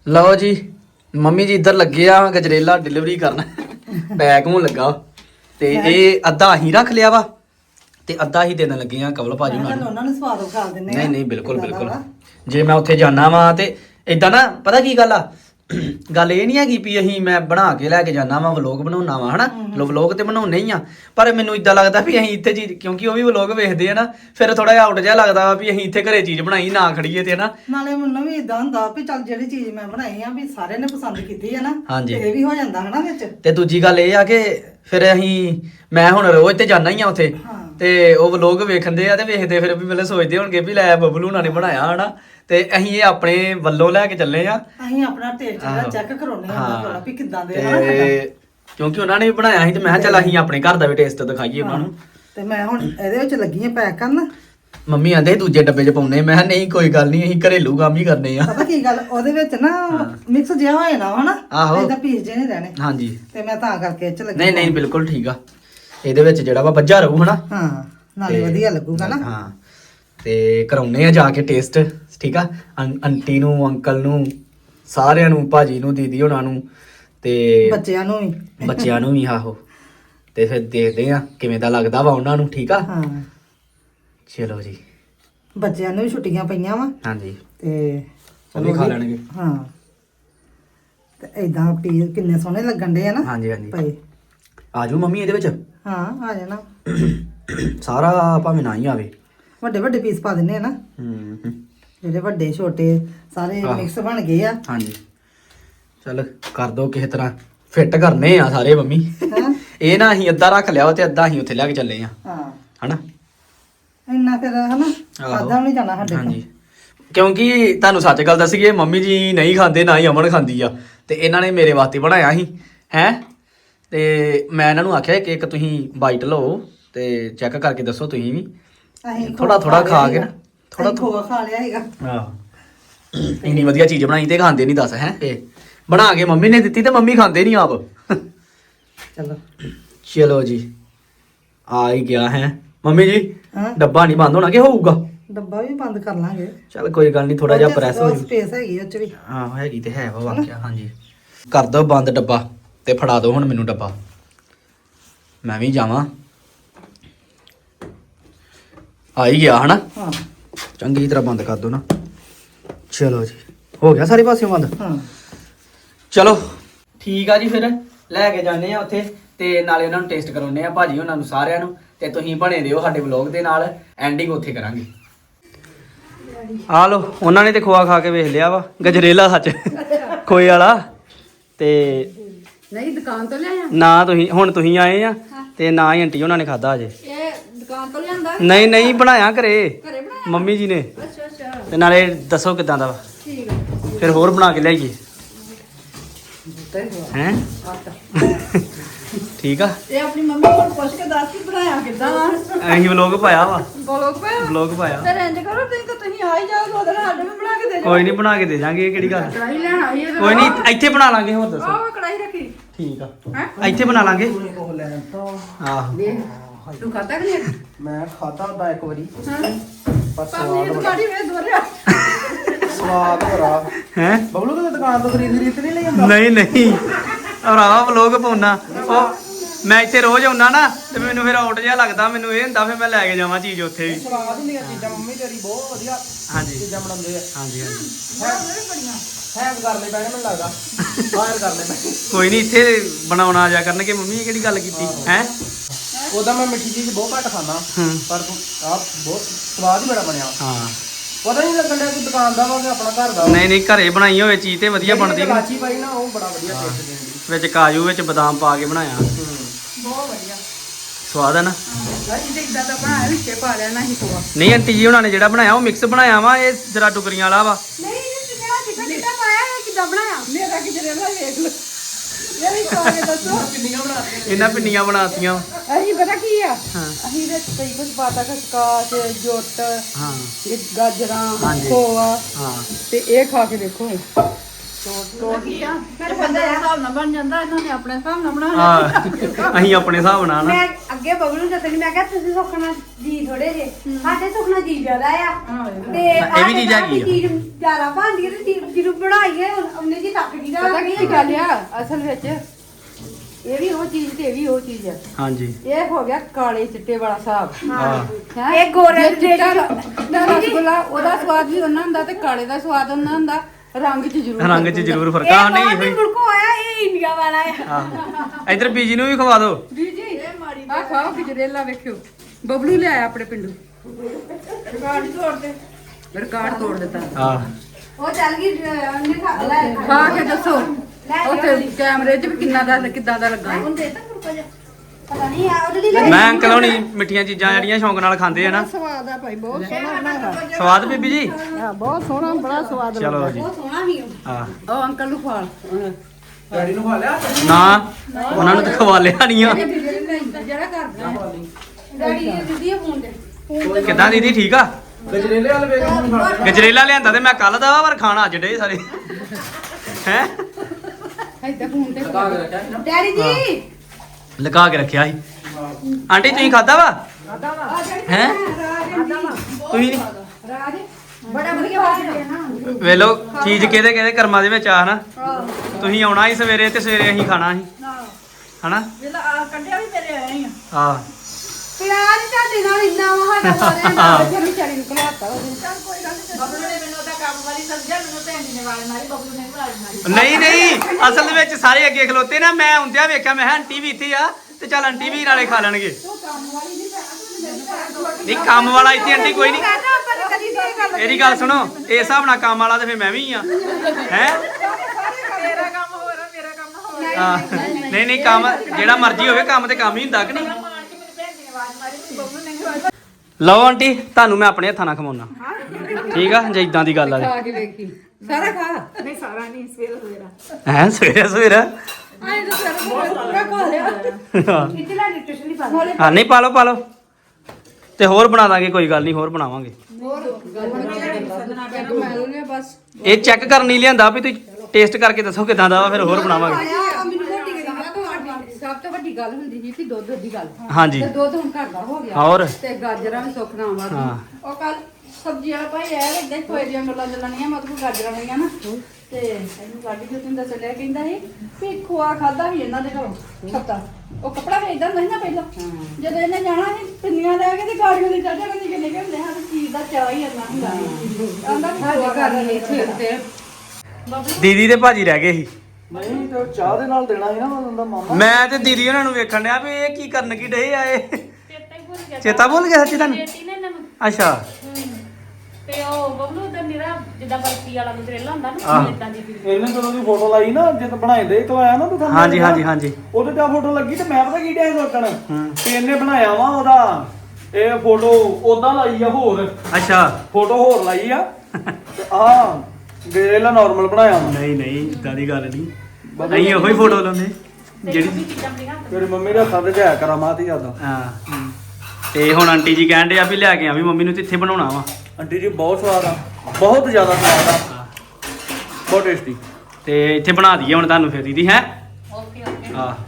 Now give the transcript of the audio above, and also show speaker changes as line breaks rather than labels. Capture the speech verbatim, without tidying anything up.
ਲਓ ਜੀ ਮੰਮੀ ਜੀ ਇੱਧਰ ਲੱਗੇ ਆ ਗਜਰੇਲਾ ਡਿਲੀਵਰੀ ਕਰਨ ਪੈਕ ਹੋਣ ਲੱਗਾ ਤੇ ਇਹ ਅੱਧਾ ਹੀ ਰੱਖ ਲਿਆ ਵਾ ਤੇ ਅੱਧਾ ਹੀ ਦੇਣ ਲੱਗੇ ਆ ਕਵਲ ਭਾਜੀ
ਮੈਂ
ਹੁਣਾਂ
ਕਿਹਾ ਉਹਨਾਂ ਨੂੰ ਸਵਾਦ ਵਿਖਾ ਦਿੰਨੇ
ਨਹੀਂ ਨਹੀਂ ਬਿਲਕੁਲ ਬਿਲਕੁਲ ਜੇ ਮੈਂ ਉੱਥੇ ਜਾਣਾ ਵਾ ਤੇ ਇਦਾਂ ਨਾ ਪਤਾ ਕੀ ਗੱਲ ਆ ਗੱਲ ਇਹ ਨਹੀਂ ਹੈਗੀ ਵੀ ਅਸੀਂ ਮੈਂ ਬਣਾ ਕੇ ਲੈ ਕੇ ਜਾਣਾ ਵਾ ਵਲੋਗ ਬਣਾਉਣਾ ਵਾ ਹਨਾ ਲੋ ਵਲੋਗ ਤੇ ਬਣਾਉਣੇ ਹੀ ਆ ਪਰ ਮੈਨੂੰ ਇਦਾਂ ਲੱਗਦਾ ਵੀ ਅਸੀਂ ਇੱਥੇ ਚੀਜ਼ ਕਿਉਂਕਿ ਉਹ ਵੀ ਵਲੋਗ ਵੇਖਦੇ ਆ ਨਾ ਫਿਰ ਥੋੜਾ ਜਿਹਾ ਆਊਟ ਜਿਹਾ ਲੱਗਦਾ ਵਾ ਵੀ ਅਸੀਂ ਇੱਥੇ ਘਰੇ ਚੀਜ਼ ਬਣਾਈ ਨਾ ਖੜੀਏ ਤੇ ਹਨਾ
ਨਾਲੇ ਮੈਨੂੰ ਵੀ ਇਦਾਂ ਹੁੰਦਾ ਵੀ ਚੱਲ ਜਿਹੜੀ ਚੀਜ਼ ਮੈਂ ਬਣਾਈ ਆ ਵੀ ਸਾਰਿਆਂ ਨੇ ਪਸੰਦ ਕੀਤੀ ਹੈ ਨਾ
ਹਾਂਜੀ।
ਤੇ ਇਹ ਵੀ ਹੋ ਜਾਂਦਾ ਹਨਾ ਵਿੱਚ
ਤੇ ਦੂਜੀ ਗੱਲ ਇਹ ਆ ਕਿ ਫਿਰ ਅਸੀਂ ਮੈਂ ਹੁਣ ਰੋਜ਼ ਤੇ ਜਾਣਾ ਹੀ ਆ ਉੱਥੇ
ਹਾਂ।
ਤੇ ਉਹ ਵਲੋਗ ਵੇਖਦੇ ਆ ਤੇ ਵੇਖਦੇ ਫਿਰ ਵੀ ਪਹਿਲੇ ਸੋਚਦੇ ਹੋਣਗੇ ਵੀ ਲੈ ਬਬਲੂ ਹੁਣਾਂ ਨੇ ਬਣਾਇਆ ਹਨਾ ਤੇ ਅਸੀਂ ਇਹ ਆਪਣੇ ਵੱਲੋਂ ਲੈ ਕੇ ਚੱਲੇ ਆ
ਅਸੀਂ ਆਪਣਾ ਟੇਸਟ ਜਿਹੜਾ ਚੈੱਕ ਕਰਾਉਣੇ ਆ ਉਹਨਾਂ ਕੋਲ ਵੀ ਕਿੱਦਾਂ ਦੇ ਹਨਾ
ਤੇ ਕਿਉਂਕਿ ਉਹਨਾਂ ਨੇ ਵੀ ਬਣਾਇਆ ਸੀ ਤੇ ਮੈਂ ਕਿਹਾ ਚੱਲ ਅਸੀਂ ਆਪਣੇ ਘਰ ਦਾ ਵੀ ਟੇਸਟ ਦਿਖਾਈਏ ਉਹਨਾਂ ਨੂੰ
ਤੇ ਮੈਂ ਹੁਣ ਇਹਦੇ ਵਿੱਚ ਲੱਗੀ ਆ ਪੈਕ ਕਰਨ
ਮੰਮੀ ਆਂਦੇ ਦੂਜੇ ਡੱਬੇ 'ਚ ਪਾਉਣੇ ਮੈਂ ਕਿਹਾ ਨਹੀਂ ਕੋਈ ਗੱਲ ਨਹੀਂ ਅਸੀਂ ਘਰੇਲੂ ਕੰਮ ਹੀ ਕਰਨੇ ਆ
ਪਤਾ ਕੀ ਗੱਲ ਉਹਦੇ ਵਿੱਚ ਨਾ ਮਿਕਸ ਜਿਹਾ ਹੋ ਜਾਣਾ ਹਨਾ
ਆਹੋ।
ਇਹਦਾ ਪੀਸ ਜੇ ਨਹੀਂ ਰਹਿਣੇ
ਹਾਂਜੀ
ਤੇ ਮੈਂ ਤਾਂ ਕਰਕੇ ਇਹ ਚ ਲੱਗੀ
ਨਹੀਂ ਨਹੀਂ ਬਿਲਕੁਲ ਠੀਕ ਆ ਇਹਦੇ ਵਿੱਚ ਜਿਹੜਾ ਵਾ ਬੱਜਾ ਰਹੂ ਹਨਾ
ਹਾਂ ਨਾਲੇ ਵਧੀਆ ਲੱਗੂਗਾ ਨਾ
ਹਾਂ ਤੇ ਕਰਾਉਣੇ ਆ ਜਾ ਕੇ ਟੇਸਟ ਠੀਕ ਆ ਆਂ- ਆਂਟੀ ਨੂੰ ਅੰਕਲ ਨੂੰ ਸਾਰਿਆਂ ਨੂੰ ਭਾਜੀ ਨੂੰ ਦੀਦੀ ਹੋਣਾ ਨੂੰ ਤੇ
ਬੱਚਿਆਂ ਨੂੰ ਵੀ
ਬੱਚਿਆਂ ਨੂੰ ਵੀ ਆਹੋ ਤੇ ਫਿਰ ਦੇਖਦੇ ਆ ਕਿਵੇਂ ਦਾ ਲੱਗਦਾ ਵਾ ਉਹਨਾਂ ਨੂੰ ਠੀਕ ਆ
ਹਾਂ
ਚਲੋ ਜੀ
ਬੱਚਿਆਂ ਨੂੰ ਵੀ ਛੁੱਟੀਆਂ ਪਈਆਂ ਵਾ
ਹਾਂਜੀ
ਤੇ
ਉਹ ਵੀ ਖਾ ਲੈਣਗੇ
ਹਾਂ ਤੇ ਇਦਾਂ ਪੀਸ ਕਿੰਨੇ ਸੋਹਣੇ ਲੱਗਣ ਦੇ ਆ ਨਾ
ਹਾਂਜੀ ਹਾਂਜੀ
ਪਏ
ਆਜੋ ਮੰਮੀ ਇਹਦੇ ਵਿੱਚ
ਹਾਂ ਆ ਜਾਣਾ
ਸਾਰਾ ਭਾਵੇਂ ਨਾ ਹੀ ਆਵੇ
ਵੱਡੇ ਵੱਡੇ ਪੀਸ ਪਾ ਦਿੰਨੇ ਆ ਨਾ
ਹੂੰ ਹੂੰ।
ਜਿਹੜੇ ਵੱਡੇ ਛੋਟੇ ਸਾਰੇ
ਆਹ।
ਮਿਕਸ ਬਣ ਗਏ ਆ
ਹਾਂਜੀ ਚੱਲ ਕਰ ਦੋ ਕਿਸੇ ਤਰ੍ਹਾਂ ਫਿੱਟ ਕਰਨੇ ਆ ਸਾਰੇ ਮੰਮੀ
ਹੈਂ?
ਇਹ ਨਾ ਅਸੀਂ ਅੱਧਾ ਰੱਖ ਲਿਆ ਵਾ ਤੇ ਅੱਧਾ ਅਸੀਂ ਉੱਥੇ ਲੈ ਕੇ ਚੱਲੇ ਆ
ਹਾਂ
ਹਨਾ
ਇੰਨਾ ਫਿਰ ਹਨਾ
ਆਹੋ।
ਖਾਦਾ ਨਹੀਂ ਜਾਣਾ ਸਾਡੇ
ਹਾਂਜੀ ਕਿਉਂਕਿ ਤੁਹਾਨੂੰ ਸੱਚ ਗੱਲ ਦੱਸੀਏ ਮੰਮੀ ਜੀ ਨਹੀਂ ਖਾਂਦੇ ਨਾ ਹੀ ਅਮਨ ਖਾਂਦੀ ਆ ਤੇ ਇਹਨਾਂ ਨੇ ਮੇਰੇ ਵਾਸਤੇ ਬਣਾਇਆ ਸੀ ਹੈ ਤੇ ਮੈਂ ਇਹਨਾਂ ਨੂੰ ਆਖਿਆ ਕਿ ਇੱਕ ਤੁਸੀਂ ਬਾਈਟ ਲਓ ਤੇ ਚੈੱਕ ਕਰਕੇ ਦੱਸੋ ਤੁਸੀਂ ਵੀ
ਅਸੀਂ
ਥੋੜਾ ਥੋੜਾ ਖਾ ਕੇ ਨਾ ਥੋੜਾ
ਥੋੜਾ ਖਾ ਲਿਆ ਹੈਗਾ
ਆਹ ਇੰਨੀ ਵਧੀਆ ਚੀਜ਼ ਬਣਾਈ ਤੇ ਖਾਂਦੇ ਨਹੀਂ ਦੱਸ ਹੈ ਇਹ ਬਣਾ ਕੇ ਮੰਮੀ ਨੇ ਦਿੱਤੀ ਤੇ ਮੰਮੀ ਖਾਂਦੇ ਨਹੀਂ ਆਪ
ਚਲੋ
ਚਲੋ ਜੀ ਆ ਹੀ ਗਿਆ ਹੈ ਮੰਮੀ ਜੀ
ਹਾਂ
ਡੱਬਾ ਨਹੀਂ ਬੰਦ ਹੋਣਾ ਕਿ ਹੋਊਗਾ
ਡੱਬਾ ਵੀ ਬੰਦ ਕਰ ਲਾਂਗੇ
ਚੱਲ ਕੋਈ ਗੱਲ ਨਹੀਂ ਥੋੜਾ ਜਿਹਾ ਪ੍ਰੈਸ ਹੋ ਜੂ
ਸਪੇਸ ਹੈਗੀ ਉਹ ਚ ਵੀ
ਹਾਂ ਹੈਗੀ ਤੇ ਹੈ ਵਾ ਵਾਕਿਆ ਹਾਂਜੀ ਕਰ ਦੋ ਬੰਦ ਡੱਬਾ ਤੇ ਫੜਾ ਦਿਓ ਹੁਣ ਮੈਨੂੰ ਡੱਬਾ ਮੈਂ ਵੀ ਜਾਵਾਂ ਆ ਹੀ ਗਿਆ ਹਨਾ
ਹਾਂ
ਚੰਗੀ ਤਰ੍ਹਾਂ ਬੰਦ ਕਰ ਦੋ ਨਾ ਚਲੋ ਜੀ ਹੋ ਗਿਆ ਸਾਰੇ ਪਾਸਿਓਂ ਬੰਦ
ਹਾਂ
ਚਲੋ ਠੀਕ ਆ ਜੀ ਫਿਰ ਲੈ ਕੇ ਜਾਂਦੇ ਆ ਉੱਥੇ ਤੇ ਨਾਲੇ ਉਹਨਾਂ ਨੂੰ ਟੇਸਟ ਕਰਾਉਣੇ ਆ ਭਾਜੀ ਉਹਨਾਂ ਨੂੰ ਸਾਰਿਆਂ ਨੂੰ ਤੇ ਤੁਸੀਂ ਬਣੇ ਦਿਓ ਸਾਡੇ ਵਲੌਗ ਦੇ ਨਾਲ ਐਂਡਿੰਗ ਉੱਥੇ ਕਰਾਂਗੇ ਆ ਲੋ ਉਹਨਾਂ ਨੇ ਤੇ ਖੋਆ ਖਾ ਕੇ ਵੇਖ ਲਿਆ ਵਾ ਗਜਰੇਲਾ ਸੱਚ ਖੋਏ ਵਾਲਾ ਤੇ
ਨਹੀਂ ਦੁਕਾਨ ਤੋਂ ਲਿਆਇਆ
ਨਾ ਤੁਸੀਂ ਹੁਣ ਤੁਸੀਂ ਆਏ ਆ ਤੇ ਨਾ ਹੀ ਆਂਟੀ ਉਹਨਾਂ ਨੇ ਖਾਦਾ ਅਜੇ
ਇਹ ਦੁਕਾਨ ਤੋਂ ਲਿਆਂਦਾ
ਨਹੀਂ ਨਹੀਂ ਬਣਾਇਆ ਘਰੇ
ਘਰੇ ਬਣਾਇਆ
ਮੰਮੀ ਜੀ ਨੇ
ਅੱਛਾ ਅੱਛਾ
ਤੇ ਨਾਲੇ ਦੱਸੋ ਕਿਦਾਂ ਦਾ ਵਾ
ਠੀਕ ਹੈ
ਫਿਰ ਹੋਰ ਬਣਾ ਕੇ ਲਿਆਈਏ ਹੈ ਠੀਕ ਆ
ਇਹ ਆਪਣੀ ਮੰਮੀ ਕੋਲ ਪੁੱਛ ਕੇ ਦੱਸ ਕੀ ਬਣਾਇਆ ਕਿਦਾਂ
ਅਸੀਂ ਵਲੋਗ ਪਾਇਆ ਵਾ
ਬੋਲੋਗ ਪਏ
ਵਲੋਗ ਪਾਇਆ
ਫਿਰ ਇੰਜ ਕਰੋ ਤੁਸੀਂ ਤਾਂ ਤੁਸੀਂ ਆ ਹੀ ਜਾਓ ਉਹਦੇ ਨਾਲ ਸਾਡੇ ਵੀ ਬਣਾ ਕੇ ਦੇ ਜਾਓ
ਕੋਈ ਨਹੀਂ ਬਣਾ ਕੇ ਦੇ ਜਾਾਂਗੇ ਇਹ ਕਿਹੜੀ ਗੱਲ
ਕੜਾਈ ਲੈਣ ਆਈ ਹੈ
ਕੋਈ ਨਹੀਂ ਇੱਥੇ ਬਣਾ ਲਾਂਗੇ ਹੋਰ ਦੱਸੋ
ਆਹ ਕੜਾਈ ਰੱਖੀ
ਠੀਕ ਆ
ਹੈ
ਇੱਥੇ ਬਣਾ ਲਾਂਗੇ
ਉਹ ਲੈਣ ਤੋਂ
ਆਹੋ
ਵੇਖ ਤੂੰ ਖਾਤਾ ਕਿ ਨਹੀਂ
ਮੈਂ ਖਾਦਾ ਹੁੰਦਾ ਇੱਕ ਵਾਰੀ
ਹਾਂ
ਪਰ
ਪਰ ਇਹ ਦੁਕਾਨੀ ਵੇ ਦੁਰਿਆ
ਸਵਾਦ ਭਰਾ
ਹੈ
ਬਬਲੂ ਕਿਤੇ ਦੁਕਾਨ ਤੋਂ ਖਰੀਦ ਰੀਤ ਨਹੀਂ ਲਈ
ਨਹੀਂ ਨਹੀਂ ਭਰਾਵਾ ਵਲੋਗ ਪਾਉਣਾ ਉਹ ਮੈਂ ਇੱਥੇ ਰੋਜ਼ ਆਉਣਾ ਨਾ ਤੇ ਮੈਨੂੰ ਫਿਰ ਆਊਟ ਜਿਹਾ ਲੱਗਦਾ ਮੈਨੂੰ ਇਹ ਹੁੰਦਾ ਫਿਰ ਮੈਂ ਲੈ ਕੇ ਜਾਵਾਂ ਚੀਜ਼ ਉੱਥੇ ਵੀ
ਸਵਾਦ ਹੁੰਦੀਆਂ ਚੀਜ਼ਾਂ ਮੰਮੀ ਤੇਰੀ ਬਹੁਤ ਵਧੀਆ
ਹਾਂਜੀ
ਚੀਜ਼ਾਂ ਬਣਾਉਂਦੇ ਆ
ਹਾਂਜੀ ਹਾਂਜੀ
ਹੈਂਗ ਕਰ ਲੈ ਪੈਣੇ ਮੈਨੂੰ ਲੱਗਦਾ ਬਾਹਰ ਕਰ ਲੈ ਮੈਂ
ਕੋਈ ਨਹੀਂ ਇੱਥੇ ਬਣਾਉਣਾ ਆ ਜਾ ਕਰਨਗੇ ਮੰਮੀ ਇਹ ਕਿਹੜੀ ਗੱਲ ਕੀਤੀ ਹੈ
ਉਹਦਾ ਮੈਂ ਮਿੱਠੀ ਚੀਜ਼ ਬਹੁਤ ਘੱਟ ਖਾਣਾ
ਹੂੰ
ਪਰ ਆਹ ਬਹੁਤ ਸਵਾਦ ਹੀ ਬੜਾ ਬਣਿਆ
ਹਾਂ
ਪਤਾ ਨਹੀਂ ਲੱਗਣ ਡਿਆ ਕਿ ਦੁਕਾਨ ਦਾ ਵਾ ਕਿ ਆਪਣਾ ਘਰ ਦਾ ਵਾ।
ਨਹੀਂ ਨਹੀਂ ਘਰੇ ਬਣਾਈ ਹੋਵੇ ਚੀਜ਼ ਤੇ ਵਧੀਆ ਬਣਦੀ ਕਿ
ਇਲਾਚੀ ਪਾਈ ਨਾ ਉਹ ਬੜਾ ਵਧੀਆ ਟੇਸਟ ਦਿੰਦੀ
ਵਿੱਚ ਕਾਜੂ ਵਿੱਚ ਬਦਾਮ ਪਾ ਕੇ ਬਣਾਇਆ
ਬਹੁਤ ਵਧੀਆ
ਸਵਾਦ ਹੈ ਨਾ
ਯਾਰ ਇਹ ਇਦਾਂ ਦਾ ਬਣਾਇਆ ਵਿੱਚੇ ਪਾ ਲੈਣਾ ਹੀ ਕੋਆ
ਨਹੀਂ ਆਂਟੀ ਜੀ ਉਹਨਾਂ ਨੇ ਜਿਹੜਾ ਬਣਾਇਆ ਉਹ ਮਿਕਸ ਬਣਾਇਆ ਵਾ ਇਹ ਜਰਾ ਟੁਕਰੀਆਂ ਵਾਲਾ ਵਾ
ਨਹੀਂ ਇਹ ਕਿਹੜਾ ਚਿੱਟਾ ਚਿੱਟਾ ਪਾਇਆ ਹੈ ਕਿੱਦਾਂ ਬਣਾਇਆ ਮੇਰਾ ਕਿ ਜਰੇਲਾ ਵੇਖ ਲੋ ਇਹ ਵੀ ਖਾ ਕੇ ਦੱਸੋ
ਕਿੰਨੀਆਂ ਬਣਾਤੀਆਂ
ਇਹਨਾਂ ਪਿੰਨੀਆਂ ਬਣਾਤੀਆਂ
ਅਸੀਂ ਪਤਾ ਕੀ ਆ
ਹਾਂ
ਅਸੀਂ ਵਿੱਚ ਕਈ ਕੁਝ ਪਾਤਾ ਖਸਕਾਸ ਜੁੱਟ
ਹਾਂ
ਇਹ ਗਾਜਰਾਂ
ਹਾਂਜੀ।
ਖੋਆ
ਹਾਂ
ਤੇ ਇਹ ਖਾ ਕੇ ਦੇਖੋ ਮੇਰੇ ਬੰਦੇ ਦੇ ਹਿਸਾਬ ਨਾਲ ਬਣ ਜਾਂਦਾ ਇਹਨਾਂ ਨੇ ਆਪਣੇ ਹਿਸਾਬ ਨਾਲ ਬਣਾਉਣਾ
ਹਾਂ ਅਸੀਂ ਆਪਣੇ ਹਿਸਾਬ ਨਾਲ ਨਾ
ਮੈਂ ਅੱਗੇ ਬਬਲੂ ਨੂੰ ਦੱਸਣੀ ਮੈਂ ਕਿਹਾ ਤੁਸੀਂ ਸੁਖਣਾ ਜੀ ਥੋੜੇ ਜੇ ਸਾਡੇ ਸੁਖਣਾ ਜੀ ਜ਼ਿਆਦਾ ਆ ਤੇ
ਇਹ ਵੀ ਚੀਜ਼ ਹੈਗੀ ਆ।
ਚੀਜ਼ ਜ਼ਿਆਦਾ ਬਣਦੀ ਹੈ ਤੇ ਚੀਜ਼ ਜਿਹਨੂੰ ਬਣਾਈਏ ਉਹਨੇ ਜੀ ਤੱਕ ਦੀ
ਪਤਾ ਕੀ ਗੱਲ ਆ ਅਸਲ ਵਿੱਚ ਇਹ ਵੀ ਉਹ ਚੀਜ਼ ਤੇ ਇਹ ਵੀ ਉਹ ਚੀਜ਼ ਆ
ਹਾਂਜੀ
ਇਹ ਹੋ ਗਿਆ ਕਾਲੇ ਚਿੱਟੇ ਵਾਲਾ ਹਿਸਾਬ
ਹਾਂ
ਹੈਂ?
ਇਹ ਗੋਰੇ
ਜੇ ਚਿੱਟਾ ਦਾ ਰਸਗੁੱਲਾ ਉਹਦਾ ਸਵਾਦ ਵੀ ਉਹਨਾਂ ਹੁੰਦਾ ਤੇ ਕਾਲੇ ਦਾ ਸਵਾਦ ਉਹਨਾਂ ਹੁੰਦਾ ਰੰਗ 'ਚ ਜ਼ਰੂਰ
ਰੰਗ 'ਚ ਜ਼ਰੂਰ ਫਰਕ ਆ ਨਹੀਂ
ਇਹ
ਹੋਈ
ਮੁਲਕੋ ਆਇਆ ਇਹ ਇੰਡੀਆ ਵਾਲਾ ਆ
ਹਾਂ ਇਧਰ ਬੀਜੀ ਨੂੰ ਵੀ ਖਵਾ ਦਿਓ
ਜੀ ਜੀ ਆ ਖਾਓ ਗਜਰੇਲਾ ਵੇਖਿਓ ਬਬਲੂ ਲਿਆਇਆ ਆਪਣੇ ਪਿੰਡੋਂ ਰਿਕਾਰਡ ਤੋੜ ਦੇ ਰਿਕਾਰਡ ਤੋੜ ਦਿੱਤਾ
ਹਾਂ
ਉਹ ਚੱਲ ਗਈ ਉਹਨੇ ਖਾ ਲੈ
ਖਾ ਕੇ ਦੱਸੋ ਉੱਥੇ ਕੈਮਰੇ 'ਚ ਵੀ ਕਿੰਨਾ ਦਾ ਕਿੱਦਾਂ ਦਾ ਲੱਗਾ
ਹੁਣ ਦੇ ਤਾ ਮੁਰਕੋ ਜਾ ਪਤਾ ਨਹੀਂ ਆ ਉਹਦੇ ਲਈ
ਮੈਂ ਅੰਕਲ ਹੋਣੀ ਮਿੱਠੀਆਂ ਚੀਜ਼ਾਂ ਜਿਹੜੀਆਂ ਸ਼ੌਂਕ ਨਾਲ ਖਾਂਦੇ ਆ ਨਾ
ਸਵਾਦ ਆ ਭਾਈ ਬਹੁਤ ਸੋਹਣਾ ਬਣਾਇਆ
ਸਵਾਦ ਬੀਬੀ ਜੀ
ਹਾਂ ਬਹੁਤ ਸੋਹਣਾ ਬੜਾ ਸਵਾਦ
ਚਲੋ ਜੀ
ਬਹੁਤ ਸੋਹਣਾ ਸੀ ਉਹ
ਹਾਂ
ਉਹ ਅੰਕਲ ਨੂੰ ਖਵਾਲ
ਡੈਡੀ ਨੂੰ ਖਵਾ ਲਿਆ ਨਾ ਉਹਨਾਂ ਨੂੰ ਤਾਂ ਖਵਾ ਲਿਆ ਨਹੀਂ ਆ
ਜਿਹੜਾ ਕਰਦਾ
ਡੈਡੀ ਦੀ ਦਿੱਦੀ ਆ ਫੋਨ ਤੇ
ਕਿੱਦਾਂ ਦੀਦੀ ਠੀਕ ਆ
ਗਜਰੇਲੇ ਵਾਲੇ ਵੇਖ ਹੁਣ ਖਾ
ਗਜਰੇਲਾ ਲਿਆਂਦਾ ਤੇ ਮੈਂ ਕੱਲ ਦਾ ਵਾ ਪਰ ਖਾਣਾ ਅੱਜ ਡੇ ਸਾਰੇ ਹੈ
ਏਦਾਂ ਫੋਨ ਤੇ
ਲਗਾ ਕੇ ਰੱਖਿਆ ਸੀ ਨਾ
ਡੈਡੀ ਜੀ
ਲਗਾ ਕੇ ਰੱਖਿਆ ਸੀ ਆਂਟੀ ਤੁਸੀਂ ਖਾਦਾ ਵਾ ਹੈ ਤੁਸੀਂ ਨੀ?
ਰਾਜ
ਬੜਾ ਵਧੀਆ ਬਾਤ ਨਾ
ਵੇਲੋ ਚੀਜ਼ ਕਿਹਦੇ ਕਿਹਦੇ ਕਰਮਾਂ ਦੇ ਵਿੱਚ ਆ ਨਾ ਤੁਸੀਂ ਆਉਣਾ ਸੀ ਸਵੇਰੇ ਤੇ ਸਵੇਰੇ ਅਸੀਂ ਖਾਣਾ ਸੀ ਹਨਾ
ਜਿਹੜਾ ਆ ਕੱਢਿਆ ਵੀ ਮੇਰੇ ਆਏ ਆ
ਹਾਂ
ਪਿਆਰ ਤੁਹਾਡੇ ਨਾਲ ਇੰਨਾ ਵਾ ਸਾਡਾ ਸਾਰਿਆਂ ਨਾਲ
ਫਿਰ ਵਿਚਾਰੀ ਨੂੰ ਘਲਾਤਾ ਉਹਦੇ ਚੱਲ ਕੋਈ ਗੱਲ ਨਹੀਂ
ਬਬਲੂ ਨੇ ਮੈਨੂੰ ਉਹਦਾ ਕੰਮ ਵਾਲੀ ਸਮਝਿਆ ਮੈਨੂੰ ਭੈਣ ਜੀ ਨੇ ਵਾਲ ਮਾਰੀ ਬਬਲੂ ਨੇ ਵਾਲ ਮਾਰੀ
ਨਹੀਂ ਨਹੀਂ ਅਸਲ ਦੇ ਵਿੱਚ ਸਾਰੇ ਅੱਗੇ ਖਲੋਤੇ ਨਾ ਮੈਂ ਹੁੰਦਿਆਂ ਵੇਖਿਆ ਮੈਂ ਕਿਹਾ ਆਂਟੀ ਵੀ ਇੱਥੇ ਆ ਤੇ ਚੱਲ ਆਂਟੀ ਵੀ ਨਾਲੇ ਖਾ ਲੈਣਗੇ ਨਹੀਂ ਕੰਮ ਵਾਲਾ ਇੱਥੇ ਆਂਟੀ ਕੋਈ ਨਹੀਂ
ਕਹਿੰਦਾ ਆਪਾਂ ਨੇ ਕਦੀ ਨਹੀਂ ਇਹ ਗੱਲ
ਇਹਦੀ ਗੱਲ ਸੁਣੋ ਇਸ ਹਿਸਾਬ ਨਾਲ ਕੰਮ ਵਾਲਾ ਤੇ ਫਿਰ ਮੈਂ ਵੀ ਆ ਹੈ
ਮੇਰਾ ਕੰਮ ਹੋਰ ਆ ਮੇਰਾ ਕੰਮ ਹੋਰ
ਹਾਂ ਨਹੀਂ ਨਹੀਂ ਕੰਮ ਜਿਹੜਾ ਮਰਜ਼ੀ ਹੋਵੇ ਕੰਮ ਤੇ ਕੰਮ ਹੀ ਹੁੰਦਾ ਕਿ ਨਹੀਂ
ਮਾਰ ਕੇ ਮੈਨੂੰ ਭੈਣ ਜੀ ਨੇ ਵਾਲ ਮਾਰੀ ਮੈਨੂੰ ਬਬਲੂ ਨੇ ਵਾਲ
ਲਓ ਆਂਟੀ ਤੁਹਾਨੂੰ ਮੈਂ ਆਪਣੇ ਹੱਥਾਂ ਨਾਲ ਖਵਾਉਣਾ ਠੀਕ ਆ ਜੇ ਇਦਾਂ ਦੀ ਗੱਲ ਆ
ਖਾ ਕੇ ਵੇਖੀ ਸਾਰਾ ਖਾ
ਨਹੀਂ ਸਾਰਾ ਨਹੀਂ ਸਵੇਰ ਸਵੇਰਾ
ਹੈ ਸਵੇਰੇ ਸਵੇਰੇ
ਆਏ ਤਾਂ ਸਾਰਾ ਪੂਰਾ ਖਾ ਲਿਆ
ਹਾਂ
ਇੱਥੇ ਲੈ ਨਿਊਟ੍ਰੀਸ਼ਨ ਨਹੀਂ ਪਾਉਂਦੇ
ਹਾਂ ਨਹੀਂ ਪਾ ਲਓ ਪਾ ਲਓ ਤੇ ਹੋਰ ਬਣਾ ਦਾਂਗੇ ਕੋਈ ਗੱਲ ਨਹੀਂ ਹੋਰ ਬਣਾਵਾਂਗੇ
ਮੈਂ ਉਹਨੇ ਬਸ
ਇਹ ਚੈੱਕ ਕਰਨ ਨਹੀਂ ਲਿਆਂਦਾ ਵੀ ਤੁਸੀਂ ਟੇਸਟ ਕਰਕੇ ਦੱਸੋ ਕਿਦਾਂ ਦਾ ਵਾ ਫਿਰ ਹੋਰ ਬਣਾਵਾਂਗੇ
ਆਇਆ ਮੈਨੂੰ ਰੋਟੀ ਕਰੀ ਸਭ ਤੋਂ ਵੱਡੀ ਗੱਲ ਹੁੰਦੀ ਸੀ ਕਿ ਦੁੱਧ ਦੀ ਗੱਲ
ਹਾਂਜੀ
ਤੇ ਦੁੱਧ ਹੁਣ ਘਰ ਦਾ ਹੋ ਗਿਆ
ਹੋਰ
ਤੇ ਗਾਜਰਾਂ ਵੀ ਸੁੱਖ ਨਾਲ
ਹਾਂ।
ਵਾਦੀ ਉਹ ਕੱਲ ਸਬਜ਼ੀ ਵਾਲਾ ਭਾਈ ਆਇਆ ਏਦਾਂ ਹੀ ਖੋਏ ਦੀਆਂ ਗੱਲਾਂ ਚੱਲਣੀਆਂ ਮਤਲਬ ਗਾਜਰਾਂ ਹੋਈਆਂ ਨਾ ਤੇ ਇਹਨੂੰ ਗਾਡੀ ਜੋ ਤੁੰਦਾ ਚੱਲਿਆ ਕਹਿੰਦਾ ਸੀ ਵੀ ਖੋਆ ਖਾਦਾ ਵੀ ਇਹਨਾਂ ਦੇ ਘਰੋਂ ਖੱਤਾ ਉਹ ਕੱਪੜਾ ਵੇਚਦਾ ਹੁੰਦਾ ਸੀ ਨਾ ਪਹਿਲਾਂ ਜਦੋਂ ਇਹਨੇ ਜਾਣਾ ਸੀ ਪਿੰਨੀਆਂ ਲੈ ਕੇ ਤੇ ਗਾੜੀਆਂ ਦੇ ਚੜ੍ਹ ਜਾਂਦੇ ਕਿੰਨੇ ਕਿ ਹੁੰਦੇ ਹਨ ਚੀਜ਼ ਦਾ ਚਾਹ ਹੀ ਇੰਨਾ ਹੁੰਦਾ ਆਂਦਾ ਵੀ ਖੋਆ ਕਰ ਲਈ ਤੇ
ਦੀਦੀ ਦੇ ਭਾਜੀ ਰਹਿ ਗਏ ਸੀ
ਨਹੀਂ ਤੇ ਉਹ ਚਾਹ ਦੇ ਨਾਲ ਦੇਣਾ ਸੀ ਨਾ ਉਹਦਾ ਮਾਮਾ
ਮੈਂ ਤੇ ਦੀਦੀ ਉਹਨਾਂ ਨੂੰ ਵੇਖਣ ਡਿਆ ਵੀ ਇਹ ਕੀ ਕਰਨ ਕੀ ਡੇ ਆਏ
ਚੇਤਾ ਹੀ ਭੁੱਲ ਗਿਆ
ਚੇਤਾ ਭੁੱਲ ਗਿਆ ਸੱਚੀ ਤੁਹਾਨੂੰ
ਬੇਟੀ ਨੇ ਨਾ
ਅੱਛਾ
ਤੇ ਉਹ ਬਬਲੂ ਦਾ ਨਿਰਾ ਜਿੱਦਾਂ ਬਰਫੀ ਵਾਲਾ ਗਜਰੇਲਾ ਹੁੰਦਾ ਨਾ
ਆਹ।
ਇਦਾਂ ਦੀ ਫੀਲ
ਇਹਨੇ ਜਦੋਂ ਦੀ ਫੋਟੋ ਲਾਈ ਨਾ ਜਦ ਬਣਾਏ ਦੇ ਤੋਂ ਆਇਆ ਨਾ ਤੂੰ ਥੰਬਨੇਲ
ਹਾਂਜੀ
ਦਾ,
ਹਾਂਜੀ ਹਾਂਜੀ
ਉਹਦੇ ਤੇ ਫੋਟੋ ਲੱਗੀ ਤੇ ਮੈਂ ਪਤਾ ਕੀ ਡਿਆ ਸੀ ਸੋਚਣ
ਹੂੰ।
ਤੇ ਇਹਨੇ ਬਣਾਇਆ ਵਾ ਉਹਦਾ ਇਹ ਫੋਟੋ ਉਦਾਂ ਲਾਈ ਆ ਹੋਰ
ਅੱਛਾ
ਫੋਟੋ ਹੋਰ ਲਾਈ ਆ ਤੇ ਆ ਗਜਰੇਲਾ ਨਾਰਮਲ ਬਣਾਇਆ ਵਾ
ਨਹੀਂ ਨਹੀਂ ਇਦਾਂ ਦੀ ਗੱਲ ਨਹੀਂ ਅਸੀਂ ਉਹੀ ਫੋਟੋ ਲਾਉਂਦੇ ਜਿਹੜੀ
ਚੀਜ਼ਾਂ ਬੜੀਆਂ
ਤੇਰੀ ਮੰਮੀ ਦੇ ਹੱਥਾਂ ਤੇ ਜਾਇਆ ਕਰਾਮਾਤ ਹੀ ਜ਼ਿਆਦਾ
ਹਾਂ ਤੇ ਹੁਣ ਆਂਟੀ ਜੀ ਕਹਿਣ ਡੇ ਆ ਵੀ ਲਿਆ ਕੇ ਆਵੀਂ ਮੰਮੀ ਨੂੰ ਤੇ ਇੱਥੇ ਬਣਾਉਣਾ ਵਾ
ਆਂਟੀ ਜੀ ਬਹੁਤ ਸਵਾਦ ਆ ਬਹੁਤ ਜ਼ਿਆਦਾ ਸਵਾਦ ਆ ਬਹੁਤ ਟੇਸਟੀ
ਤੇ ਇੱਥੇ ਬਣਾ ਦਈਏ ਹੁਣ ਤੁਹਾਨੂੰ ਫਿਰ ਦੀਦੀ ਹੈ
ਓਕੇ ਓਕੇ
ਹਾਂ